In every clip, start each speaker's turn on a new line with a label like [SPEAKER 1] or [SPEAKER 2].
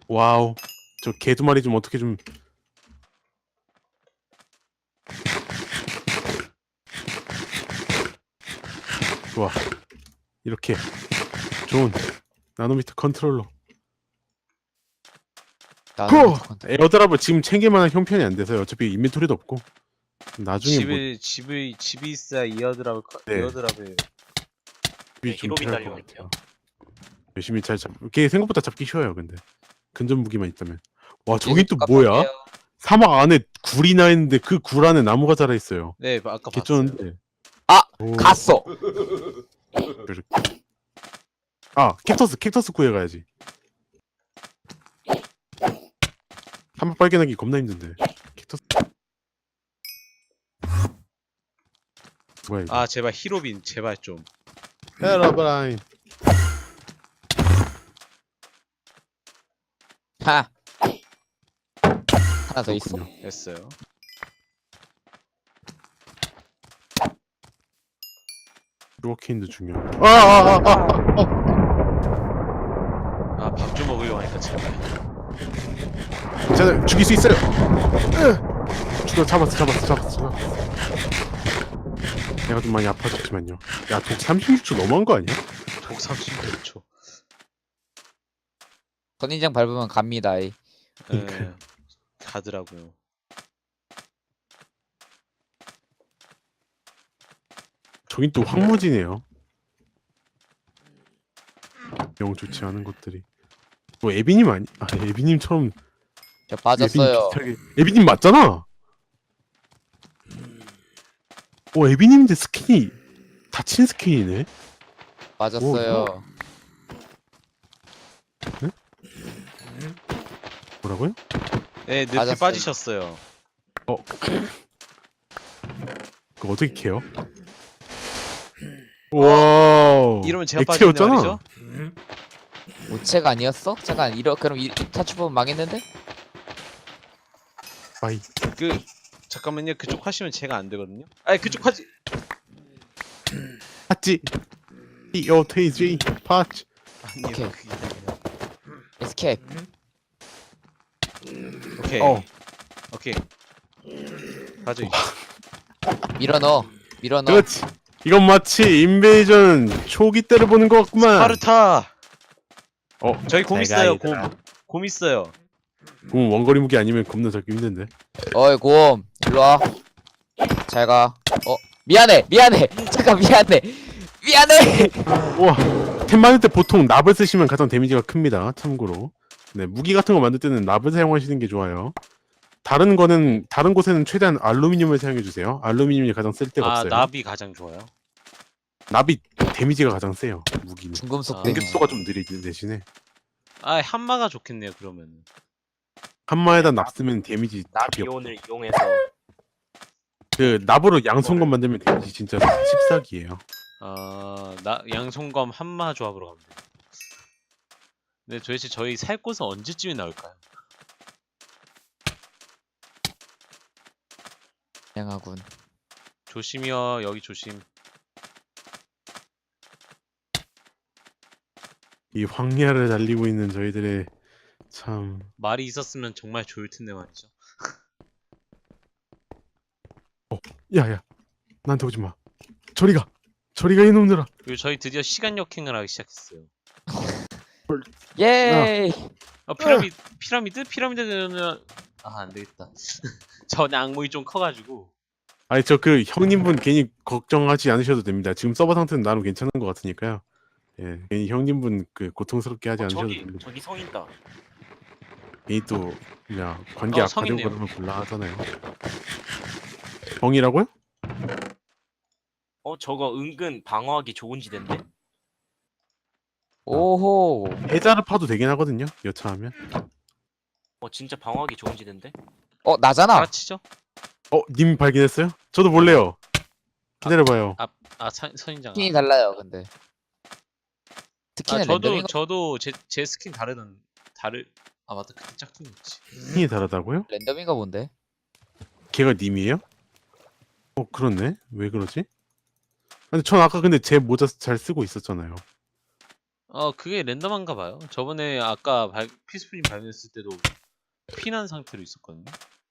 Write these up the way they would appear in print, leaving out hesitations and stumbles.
[SPEAKER 1] 와우. 저 개 두 마리 좀 어떻게 좀. 좋아. 이렇게 좋은 나노미터 컨트롤러.
[SPEAKER 2] 나노미터 컨트롤.
[SPEAKER 1] 에어드랍을 지금 챙길만한 형편이 안 돼서요. 어차피 인벤토리도 없고. 나중에 뭐
[SPEAKER 3] 집이 있어야 이어드랍을
[SPEAKER 1] 네.
[SPEAKER 3] 이어드랍을
[SPEAKER 1] 집이 좀
[SPEAKER 4] 히로빈
[SPEAKER 1] 필요할 것
[SPEAKER 4] 달려갈게요.
[SPEAKER 1] 같아요. 열심히 잘 잡. 이게 생각보다 잡기 쉬워요. 근데 근접 무기만 있다면. 와 저기 또 뭐야? 사막 안에 굴이 나 있는데 그 굴 안에 나무가 자라 있어요.
[SPEAKER 3] 네 아까 봤어요.
[SPEAKER 1] 개쩌는데.
[SPEAKER 2] 아!
[SPEAKER 1] 오,
[SPEAKER 2] 갔어!
[SPEAKER 1] 이렇게. 아 캡터스 구해가야지. 사막 발견하기 겁나 힘든데. 캡터스. 뭐야 이거?
[SPEAKER 3] 아 제발 히로빈 제발 좀.
[SPEAKER 1] 헤라브라인.
[SPEAKER 2] 하! 하나 더 있어?
[SPEAKER 1] 그렇군요.
[SPEAKER 3] 됐어요.
[SPEAKER 1] 루어케인도 중요해.
[SPEAKER 3] 아 밥 좀 먹으려고 하니까 제발.
[SPEAKER 1] 자 죽일 수 있어요. 죽여 잡았어. 내가 좀 많이 아파졌지만요. 야 독 36초 너무한 거 아니야?
[SPEAKER 3] 독 36초.
[SPEAKER 2] 선인장 밟으면 갑니다. 이.
[SPEAKER 3] 예. 가더라고요.
[SPEAKER 1] 저긴 또 황무지네요. 영 좋지 않은 것들이. 뭐 에비님 아니? 아 에비님처럼.
[SPEAKER 2] 저 빠졌어요.
[SPEAKER 1] 에비님 맞잖아. 에비님인데 스킨이 다친 스킨이네.
[SPEAKER 2] 빠졌어요.
[SPEAKER 1] 뭐라고요?
[SPEAKER 3] 네 늪에
[SPEAKER 2] 맞았어요.
[SPEAKER 3] 빠지셨어요.
[SPEAKER 1] 그거 어떻게 캐요? 와.
[SPEAKER 3] 이러면 제가 빠지는
[SPEAKER 1] 액체였잖아.
[SPEAKER 3] 말이죠?
[SPEAKER 2] 우체가 아니었어? 잠깐 그럼 이 타추법은 망했는데?
[SPEAKER 1] 아이.
[SPEAKER 3] 그 잠깐만요. 그쪽 하시면 제가 안 되거든요. 아니 그쪽 하지.
[SPEAKER 1] 팥지. EOTG 팥.
[SPEAKER 3] 아니
[SPEAKER 2] 오케이.
[SPEAKER 3] 그게 아니라.
[SPEAKER 2] 에스케이프.
[SPEAKER 3] 오케이. 오케이. 가져.
[SPEAKER 2] 밀어넣어.
[SPEAKER 1] 그렇지. 이건 마치 인베이전 초기 때를 보는 것 같구만.
[SPEAKER 3] 스파르타. 저희 곰
[SPEAKER 1] 내가
[SPEAKER 3] 있어요.
[SPEAKER 1] 얘들아.
[SPEAKER 3] 곰 있어요.
[SPEAKER 1] 원거리 무기 아니면 겁나 잡기 힘든데.
[SPEAKER 2] 어이 곰 일로와. 잘가. 미안해 잠깐 미안해.
[SPEAKER 1] 우와. 템 만들 때 보통 납을 쓰시면 가장 데미지가 큽니다. 참고로. 네, 무기 같은 거 만들 때는 납을 사용하시는 게 좋아요. 다른 곳에는 최대한 알루미늄을 사용해 주세요. 알루미늄이 가장 쓸 데가 없어요.
[SPEAKER 3] 나비 가장 좋아요.
[SPEAKER 1] 납이 데미지가 가장 세요. 무기는.
[SPEAKER 2] 중금속
[SPEAKER 3] 아.
[SPEAKER 2] 데미지.
[SPEAKER 1] 공격수가 좀 느리지 대신에.
[SPEAKER 3] 한마가 좋겠네요. 그러면.
[SPEAKER 1] 한마에다 납 쓰면 데미지 답이 없.
[SPEAKER 4] 나비온을 이용해서
[SPEAKER 1] 그 납으로 양손건 만들면 데미지 진짜 씹사기예요.
[SPEAKER 3] 나 양손검 한마 조합으로 갑니다. 근데 도대체 저희 살 곳은 언제쯤에 나올까요?
[SPEAKER 2] 다양하군.
[SPEAKER 3] 조심이요. 여기 조심.
[SPEAKER 1] 이 황야를 달리고 있는 저희들의 참.
[SPEAKER 3] 말이 있었으면 정말 좋을 텐데 말이죠.
[SPEAKER 1] 야야, 나한테 오지 마. 저리가 이놈들아.
[SPEAKER 3] 그리고 저희 드디어 시간 역행을 하기 시작했어요.
[SPEAKER 2] 예이.
[SPEAKER 3] 피라미드는 안 되겠다. 전 악몽이 좀 커가지고.
[SPEAKER 1] 아니 저 그 형님분 괜히 걱정하지 않으셔도 됩니다. 지금 서버 상태는 나름 괜찮은 것 같으니까요. 예, 괜히 형님분 그 고통스럽게 하지 않으셔도 됩니다.
[SPEAKER 4] 저기 성 있다.
[SPEAKER 1] 괜히 또 그냥 관계
[SPEAKER 3] 성
[SPEAKER 1] 악화되고
[SPEAKER 3] 있네요.
[SPEAKER 1] 그러면 곤란하잖아요. 정이라고요?
[SPEAKER 4] 저거 은근 방어하기 좋은 지대인데?
[SPEAKER 2] 오호.
[SPEAKER 1] 해자를 파도 되긴 하거든요. 여차하면.
[SPEAKER 4] 진짜 방어하기 좋은 지대인데?
[SPEAKER 2] 나잖아.
[SPEAKER 3] 알아치죠?
[SPEAKER 1] 님 발견했어요? 저도 몰래요. 기다려봐요.
[SPEAKER 3] 선인장.
[SPEAKER 2] 스킨이 달라요 근데. 스킨은 랜덤인 거.
[SPEAKER 3] 저도 제 스킨 맞다. 그때 짝퉁이었지.
[SPEAKER 1] 힘이 다르다고요?
[SPEAKER 2] 랜덤인가 본데.
[SPEAKER 1] 걔가 님이에요? 그렇네. 왜 그러지? 근데 전 아까 근데 제 모자 잘 쓰고 있었잖아요.
[SPEAKER 3] 그게 랜덤한가 봐요. 저번에 아까 피스프림 발견했을 때도 피난 상태로 있었거든요.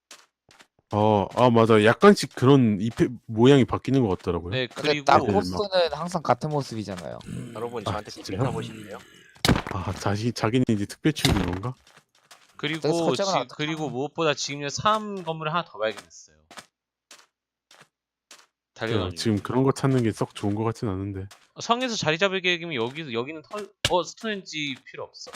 [SPEAKER 1] 맞아. 약간씩 그런 잎의 모양이 바뀌는 것 같더라고요.
[SPEAKER 3] 네,
[SPEAKER 2] 근데
[SPEAKER 3] 그리고
[SPEAKER 2] 딱
[SPEAKER 1] 막-
[SPEAKER 2] 코스는 항상 같은 모습이잖아요.
[SPEAKER 4] 여러분
[SPEAKER 1] 아,
[SPEAKER 4] 저한테
[SPEAKER 1] 진짜요?
[SPEAKER 4] 팁 가보실래요?
[SPEAKER 1] 자기는 이제 특별 취급인 건가?
[SPEAKER 2] 그래서 설정을 어떻게
[SPEAKER 3] 그리고
[SPEAKER 2] 하나?
[SPEAKER 3] 무엇보다 지금 3 건물을 하나 더 발견했어요. 달려가지고.
[SPEAKER 1] 지금 그런 거 찾는 게 썩 좋은 것 같진 않은데.
[SPEAKER 3] 성에서 자리 잡을 계획이면 여기는 스톤헨지 필요 없어.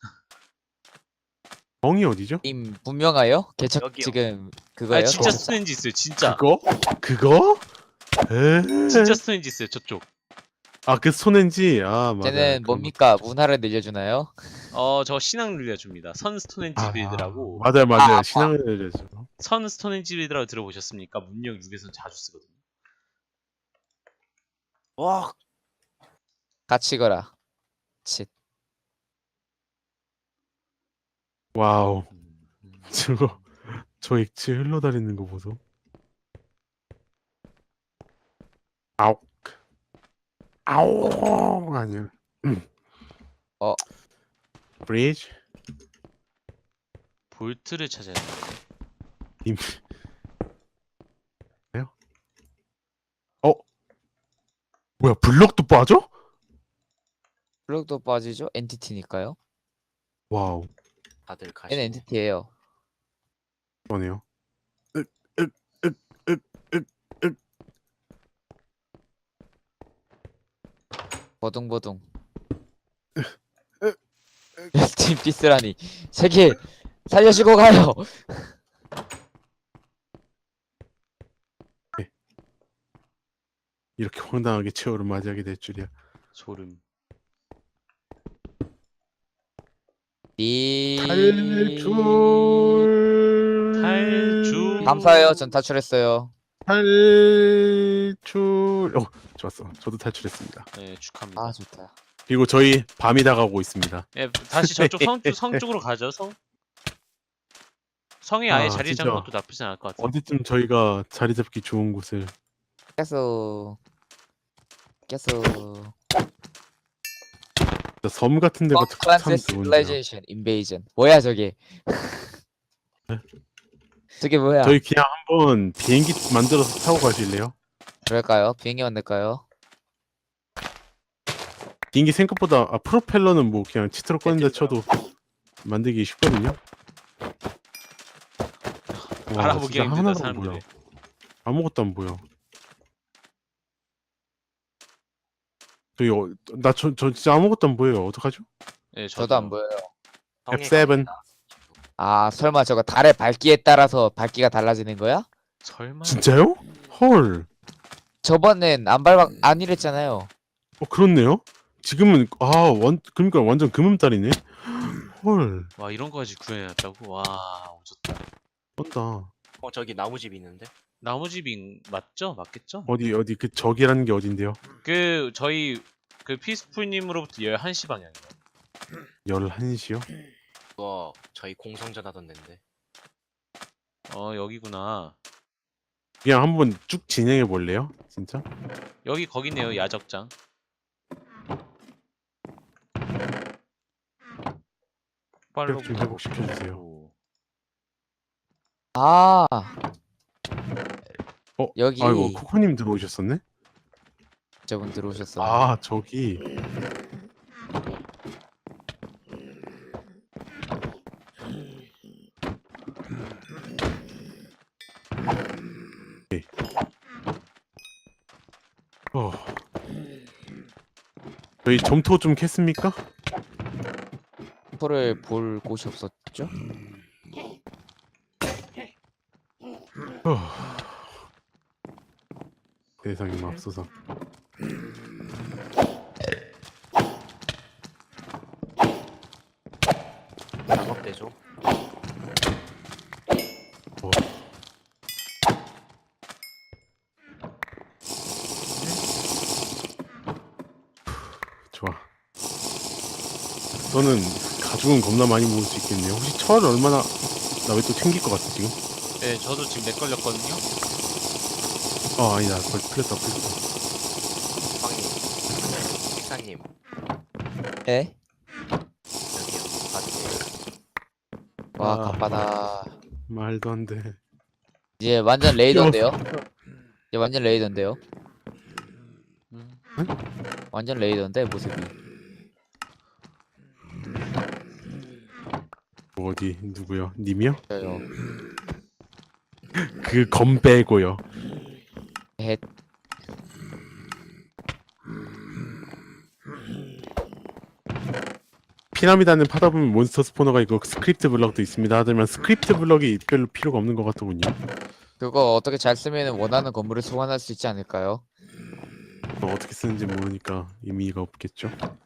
[SPEAKER 1] 멍이 어디죠?
[SPEAKER 2] 님 분명하요? 개척
[SPEAKER 4] 여기요.
[SPEAKER 2] 지금
[SPEAKER 3] 아
[SPEAKER 2] 그거예요?
[SPEAKER 3] 진짜
[SPEAKER 2] 개척-
[SPEAKER 3] 스톤헨지 있어요. 진짜.
[SPEAKER 1] 그거? 에?
[SPEAKER 3] 진짜 스톤헨지 있어요. 저쪽.
[SPEAKER 1] 그 손엔지. 맞아요.
[SPEAKER 2] 쟤는
[SPEAKER 1] 그런
[SPEAKER 2] 뭡니까?
[SPEAKER 1] 거.
[SPEAKER 2] 문화를 늘려주나요?
[SPEAKER 3] 저 신앙 늘려줍니다. 선 스톤헨지 빌드라고.
[SPEAKER 1] 맞아요.
[SPEAKER 2] 아,
[SPEAKER 1] 신앙을 내려줘.
[SPEAKER 3] 선 스톤헨지 빌드라고 들어보셨습니까? 문명 6에서는 자주 쓰거든요.
[SPEAKER 4] 와
[SPEAKER 2] 같이 거라. 칫.
[SPEAKER 1] 와우. 저 액체 흘러다니는 거 보소. 아욱. 아욱. 아니야.
[SPEAKER 2] 어.
[SPEAKER 1] 브리지?
[SPEAKER 3] 볼트를 찾아야 돼.
[SPEAKER 1] 임. 뭐야, 블럭도 빠져?
[SPEAKER 2] 블록도 빠지죠? 엔티티니까요.
[SPEAKER 1] 와우.
[SPEAKER 4] 다들 가시고
[SPEAKER 2] 얘는 엔티티예요.
[SPEAKER 1] 그러네요.
[SPEAKER 2] 버둥버둥. 팀 피스라니. 세계 살려주고 가요.
[SPEAKER 1] 이렇게 황당하게 최후를 맞이하게 될 줄이야.
[SPEAKER 3] 소름. 탈출.
[SPEAKER 2] 감사해요. 전 탈출했어요.
[SPEAKER 1] 탈출. 좋았어. 저도 탈출했습니다.
[SPEAKER 3] 네, 축하합니다.
[SPEAKER 2] 아 좋다.
[SPEAKER 1] 그리고 저희 밤이 다가오고 있습니다.
[SPEAKER 3] 예, 다시 저쪽 성 쪽으로 가죠. 성에 아예 자리
[SPEAKER 1] 진짜.
[SPEAKER 3] 잡는 것도 나쁘진 않을 것 같아요.
[SPEAKER 1] 언제쯤 저희가 자리 잡기 좋은 곳을.
[SPEAKER 2] 깨소.
[SPEAKER 1] 진짜 섬 같은 데가 참
[SPEAKER 2] 컴플란스
[SPEAKER 1] 좋은데요.
[SPEAKER 2] 시뮬레이션 인베이전. 뭐야 저게?
[SPEAKER 1] 네?
[SPEAKER 2] 저게 뭐야?
[SPEAKER 1] 저희 그냥 한번 비행기 만들어서 타고 가실래요?
[SPEAKER 2] 그럴까요? 비행기 만들까요?
[SPEAKER 1] 비행기 생각보다 프로펠러는 뭐 그냥 치트로 꺼낸다 쳐도 만들기 쉽거든요. 와,
[SPEAKER 3] 알아보기가
[SPEAKER 1] 진짜
[SPEAKER 3] 힘들다
[SPEAKER 1] 하나도 안
[SPEAKER 3] 사람들이.
[SPEAKER 1] 보여. 아무것도 안 보여. 저 진짜 아무것도 안 보여요. 어떡하죠?
[SPEAKER 3] 예,
[SPEAKER 2] 저도 안 보여요.
[SPEAKER 4] 성에
[SPEAKER 1] F7.
[SPEAKER 4] 갑니다.
[SPEAKER 2] 아 설마 저거 달의 밝기에 따라서 밝기가 달라지는 거야?
[SPEAKER 3] 설마.
[SPEAKER 1] 진짜요? 헐.
[SPEAKER 2] 저번엔 안 이랬잖아요.
[SPEAKER 1] 그렇네요. 지금은 그러니까 완전 금음달이네. 헐.
[SPEAKER 3] 와 이런 거까지 구해놨다고. 와 오졌다.
[SPEAKER 1] 쩐다.
[SPEAKER 4] 저기 나무집 있는데
[SPEAKER 3] 나무집인 맞죠? 맞겠죠?
[SPEAKER 1] 어디 그 적이라는 게 어딘데요?
[SPEAKER 3] 저희 피스풀님으로부터 11시 방향이요.
[SPEAKER 1] 11시요?
[SPEAKER 4] 그거 저희 공성전 하던 데인데
[SPEAKER 3] 여기구나.
[SPEAKER 1] 그냥 한번 쭉 진행해 볼래요? 진짜?
[SPEAKER 3] 여기 거기네요. 야적장. 폭발로
[SPEAKER 1] 좀 회복시켜 주세요.
[SPEAKER 2] 아 여기
[SPEAKER 1] 아이고 코코님 들어오셨었네?
[SPEAKER 2] 저분 들어오셨어.
[SPEAKER 1] 저기. 네. 저희 점토 좀 캤습니까?
[SPEAKER 2] 포를 볼 곳이 없었죠?
[SPEAKER 1] 세상에 맙소사.
[SPEAKER 4] 작업대죠.
[SPEAKER 1] 좋아. 너는 가죽은 겁나 많이 모을 수 있겠네요. 혹시 철 얼마나 나 왜 또 챙길 것 같아 지금?
[SPEAKER 3] 네, 저도 지금 렉 걸렸거든요.
[SPEAKER 1] 아니다. 풀렸다.
[SPEAKER 4] 빵님, 식사님
[SPEAKER 2] 에?
[SPEAKER 4] 여기요. 바지.
[SPEAKER 2] 와
[SPEAKER 1] 아.
[SPEAKER 2] 갑바다.
[SPEAKER 1] 말도 안 돼.
[SPEAKER 2] 이제 완전 레이더인데요? 이제 완전 레이더인데요? 완전 레이더인데 모습이.
[SPEAKER 1] 뭐 어디 누구요? 님이요?
[SPEAKER 2] 저요.
[SPEAKER 1] 그 검 빼고요.
[SPEAKER 2] 헷.
[SPEAKER 1] 피라미드는 파다 보면 몬스터 스포너가 있고 스크립트 블럭도 있습니다. 하지만 스크립트 블럭이 별로 필요가 없는 것 같더군요.
[SPEAKER 2] 그거 어떻게 잘 쓰면 원하는 건물을 소환할 수 있지 않을까요?
[SPEAKER 1] 어떻게 쓰는지 모르니까 의미가 없겠죠.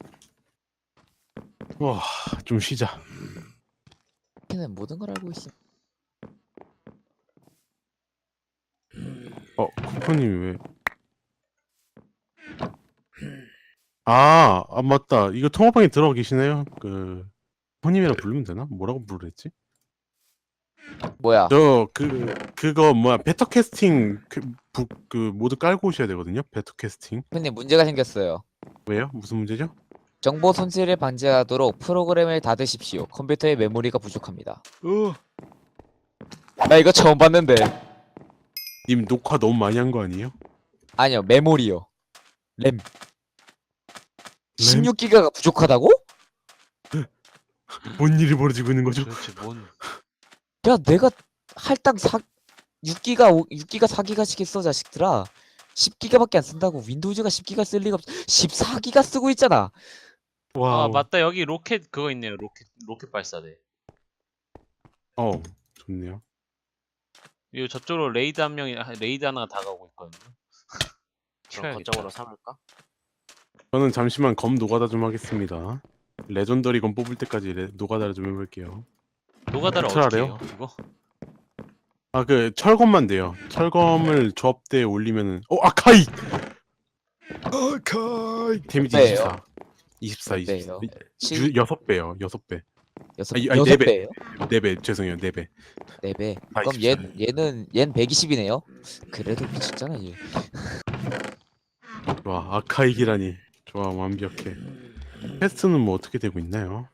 [SPEAKER 1] 와, 좀 쉬자.
[SPEAKER 2] 걔는 모든 걸 알고 있어.
[SPEAKER 1] 코코님 왜? 아, 맞다. 이거 통화방에 들어가 계시네요. 코코님이라 부르면 되나? 뭐라고 부르랬지?
[SPEAKER 2] 뭐야?
[SPEAKER 1] 그거 뭐야? 베터 캐스팅 모드 깔고 오셔야 되거든요. 베터 캐스팅.
[SPEAKER 2] 근데 문제가 생겼어요.
[SPEAKER 1] 왜요? 무슨 문제죠?
[SPEAKER 2] 정보 손실을 방지하도록 프로그램을 닫으십시오. 컴퓨터의 메모리가 부족합니다. 나 이거 처음 봤는데.
[SPEAKER 1] 님 녹화 너무 많이 한 거 아니에요?
[SPEAKER 2] 아니요, 메모리요. 램. 16기가가 부족하다고?
[SPEAKER 1] 뭔 일이 벌어지고 있는 거죠?
[SPEAKER 3] 도대체 뭔
[SPEAKER 2] 야, 내가 할당 6기가 4기가씩 했어, 자식들아. 10기가밖에 안 쓴다고. 윈도우즈가 10기가 쓸 리가 없어. 14기가 쓰고 있잖아.
[SPEAKER 1] 와,
[SPEAKER 3] 아 맞다 여기 로켓 그거 있네요. 로켓 발사대.
[SPEAKER 1] 좋네요.
[SPEAKER 3] 이거 저쪽으로 레이드 하나가 다가오고 있거든요.
[SPEAKER 4] 그럼
[SPEAKER 3] 튀어야겠다.
[SPEAKER 4] 거점으로 삼을까?
[SPEAKER 1] 저는 잠시만 검 노가다 좀 하겠습니다. 레전더리 검 뽑을 때까지 노가다를 좀 해볼게요.
[SPEAKER 3] 노가다를
[SPEAKER 1] 어떻게
[SPEAKER 3] 어떻게
[SPEAKER 1] 알아요?
[SPEAKER 3] 해요? 이거?
[SPEAKER 1] 철검만 돼요. 철검을 조합대에 올리면은 아카이! 데미지
[SPEAKER 2] 배예요?
[SPEAKER 1] 24. 24,
[SPEAKER 2] 배예요?
[SPEAKER 1] 24. 6배요. 6배. 아니,
[SPEAKER 2] 여섯
[SPEAKER 1] 4배.
[SPEAKER 2] 배예요?
[SPEAKER 1] 4배. 죄송해요. 4배.
[SPEAKER 2] 4배.
[SPEAKER 1] 아,
[SPEAKER 2] 그럼
[SPEAKER 1] 24.
[SPEAKER 2] 얘는 120이네요. 그래도 미쳤잖아, 얘.
[SPEAKER 1] 좋아. 아카이기라니. 좋아. 완벽해. 퀘스트는 뭐 어떻게 되고 있나요?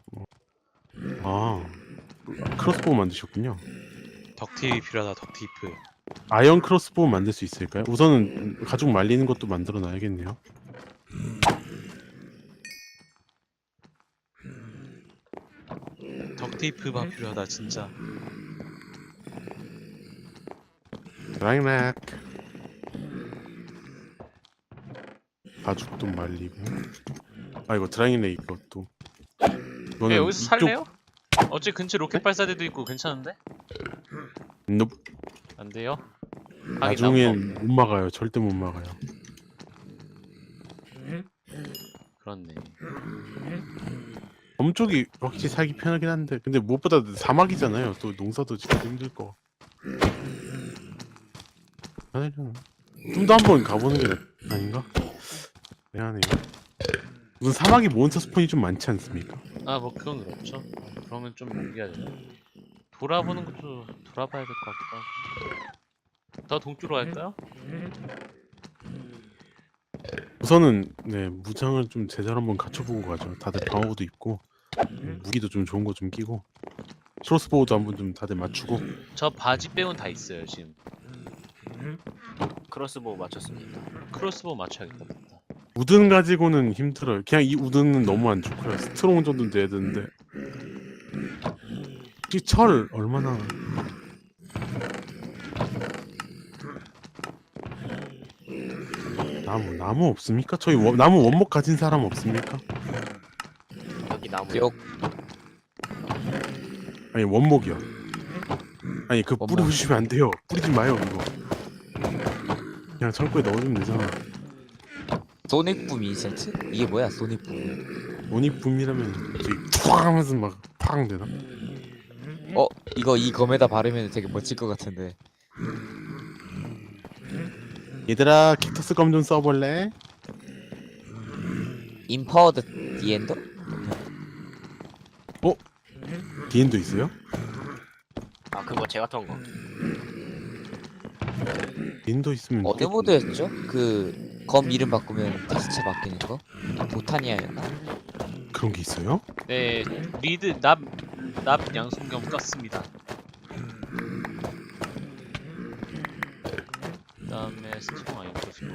[SPEAKER 1] 크로스보우 만드셨군요.
[SPEAKER 3] 덕티입이 필요하다. 덕티프.
[SPEAKER 1] 아이언 크로스보우 만들 수 있을까요? 우선은 가죽 말리는 것도 만들어 놔야겠네요.
[SPEAKER 3] 덕테이프가 필요하다 진짜.
[SPEAKER 1] 드라이맥 가죽도 말리고 이거 드라이맥 이것도 이거는
[SPEAKER 3] 여기서 살래요? 어째 근처 로켓 발사대도 있고 괜찮은데?
[SPEAKER 1] 넵.
[SPEAKER 3] 안 돼요?
[SPEAKER 1] 나중엔 못 막아요. 절대 못 막아요.
[SPEAKER 3] 그렇네.
[SPEAKER 1] 엄쪽이 확실히 살기 편하긴 한데 근데 무엇보다 사막이잖아요. 또 농사도 짓기 힘들 거. 아니잖아. 좀 더 한번 가보는 게 아닌가? 미안해요. 무슨 사막이 몬스터 스폰이 좀 많지 않습니까?
[SPEAKER 3] 아 뭐 그건 그렇죠. 그러면 좀 옮겨야 되나? 돌아보는 것도 돌아봐야 될 것 같기도 하고. 더 동쪽으로 갈까요?
[SPEAKER 1] 우선은 무장을 좀 제대로 한번 갖춰보고 가죠. 다들 방어구도 입고 무기도 좀 좋은 거 좀 끼고 크로스보우도 한번 좀 다들 맞추고.
[SPEAKER 3] 저 바지 빼곤 다 있어요 지금.
[SPEAKER 4] 크로스보우 맞췄습니다.
[SPEAKER 3] 크로스보우 맞춰야겠다.
[SPEAKER 1] 우든 가지고는 힘들어요. 그냥 이 우든은 너무 안 좋고요. 스트롱 정도는 돼야 되는데 이 철 얼마나 나무 없습니까? 저희 나무 원목 가진 사람 없습니까?
[SPEAKER 4] 여기 나무.
[SPEAKER 2] 욕.
[SPEAKER 1] 아니 원목이요. 아니 그
[SPEAKER 2] 원목.
[SPEAKER 1] 뿌리주시면 안 돼요. 뿌리지 마요 이거. 그냥 창고에 넣어주면 되잖아.
[SPEAKER 2] 소닉붐 인센트? 이게 뭐야, 소닉붐.
[SPEAKER 1] 원익붐이라면 저기 팡 하면서 막 팡 되나?
[SPEAKER 2] 이거 이 검에다 바르면 되게 멋질 것 같은데.
[SPEAKER 1] 얘들아 킥터스 검 좀 써볼래?
[SPEAKER 2] 임파워드 디엔더?
[SPEAKER 1] 디엔도 있어요?
[SPEAKER 4] 아 그거 제가 턴 거.
[SPEAKER 1] 디엔도 있으면
[SPEAKER 2] 어느 모드였죠? 그 검 이름 바꾸면 텍스처 바뀌는 거? 보타니아였나?
[SPEAKER 1] 그런 게 있어요?
[SPEAKER 3] 네, 리드 납 양손경 떴습니다. 그다음에 스트롱 아이언 떴고.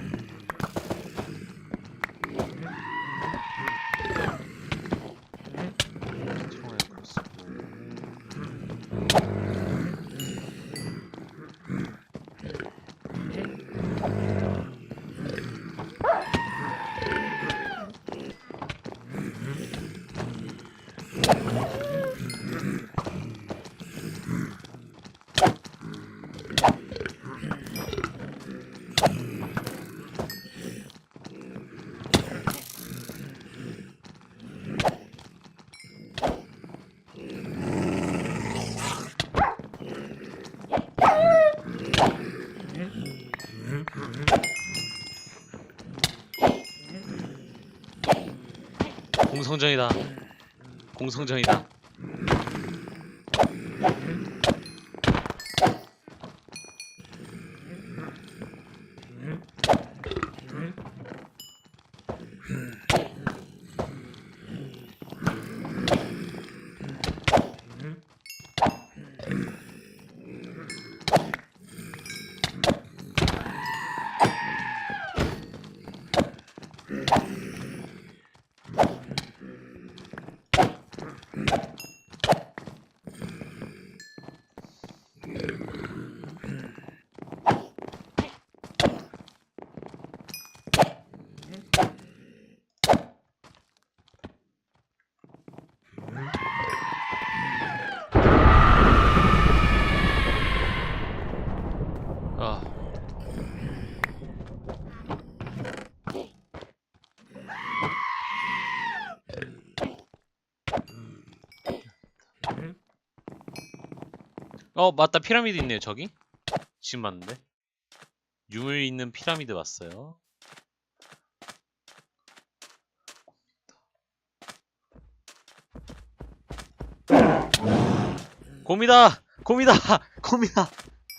[SPEAKER 3] 스트롱 아이언 떴고. 공성전이다. 공성전이다. 아. 맞다. 피라미드 있네요, 저기. 지금 봤는데. 유물 있는 피라미드 봤어요. 곰이다! 곰이다! 곰이다!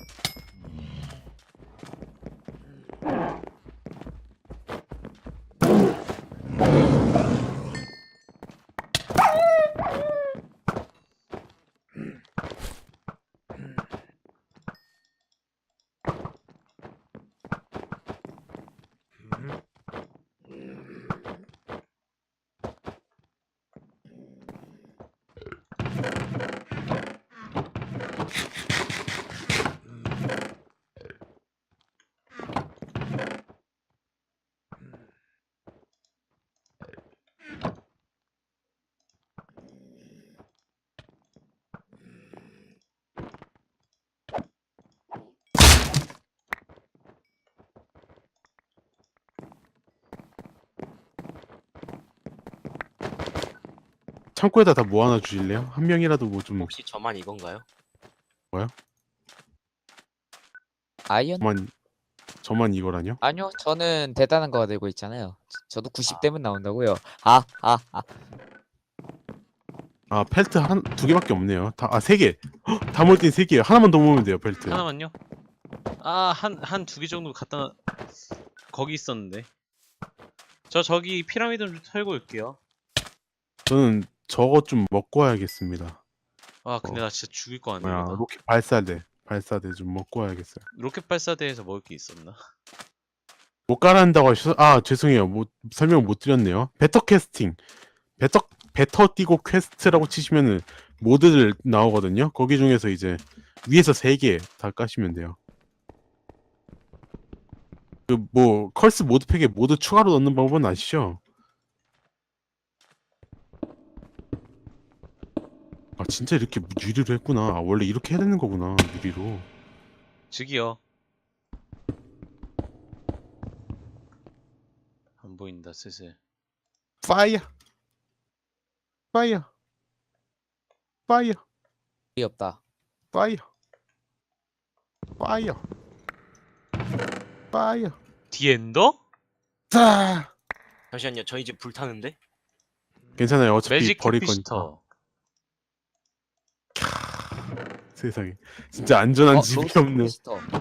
[SPEAKER 1] 창고에다 다 모아놔 주실래요? 한 명이라도 뭐 좀
[SPEAKER 4] 혹시 저만 이건가요?
[SPEAKER 2] 아이언?
[SPEAKER 1] 저만 이거라뇨?
[SPEAKER 2] 아니요, 저는 대단한 거 들고 있잖아요. 저도 90대면 나온다고요.
[SPEAKER 1] 아 펠트 두 개밖에 없네요. 세 개. 다 모을 땐 세 개요. 하나만 더 모으면 돼요 펠트.
[SPEAKER 3] 하나만요? 한 두 개 정도 갖다 거기 있었는데. 저기 피라미드 좀 털고 올게요.
[SPEAKER 1] 저는 저거 좀 먹고 와야겠습니다.
[SPEAKER 3] 근데 나 진짜 죽일 거
[SPEAKER 1] 뭐야
[SPEAKER 3] 아니야.
[SPEAKER 1] 로켓 발사대 좀 먹고 와야겠어요.
[SPEAKER 3] 로켓 발사대에서 먹을 게 있었나?
[SPEAKER 1] 못 깔아낸다고 하셔서 죄송해요. 설명 못 드렸네요. 베터 띄고 퀘스트라고 치시면은 모드들 나오거든요. 거기 중에서 이제 위에서 3개 다 까시면 돼요. 그 뭐 컬스 모드팩에 모드 추가로 넣는 방법은 아시죠? 진짜 이렇게 유리로 했구나. 원래 이렇게 해야 되는 거구나. 유리로.
[SPEAKER 3] 저기요. 안 보인다 슬슬.
[SPEAKER 1] 파이어. 파이어. 파이어.
[SPEAKER 2] 이 없다.
[SPEAKER 1] 파이어. 파이어. 파이어.
[SPEAKER 3] 디엔더?
[SPEAKER 1] 자.
[SPEAKER 4] 잠시만요. 저희 집 불타는데?
[SPEAKER 1] 괜찮아요. 어차피
[SPEAKER 3] 매직
[SPEAKER 1] 버릴 거니까.
[SPEAKER 3] 캐피시터.
[SPEAKER 1] 세상에. 진짜 안전한 집이
[SPEAKER 2] 로스트
[SPEAKER 1] 없네.
[SPEAKER 2] 캐스터.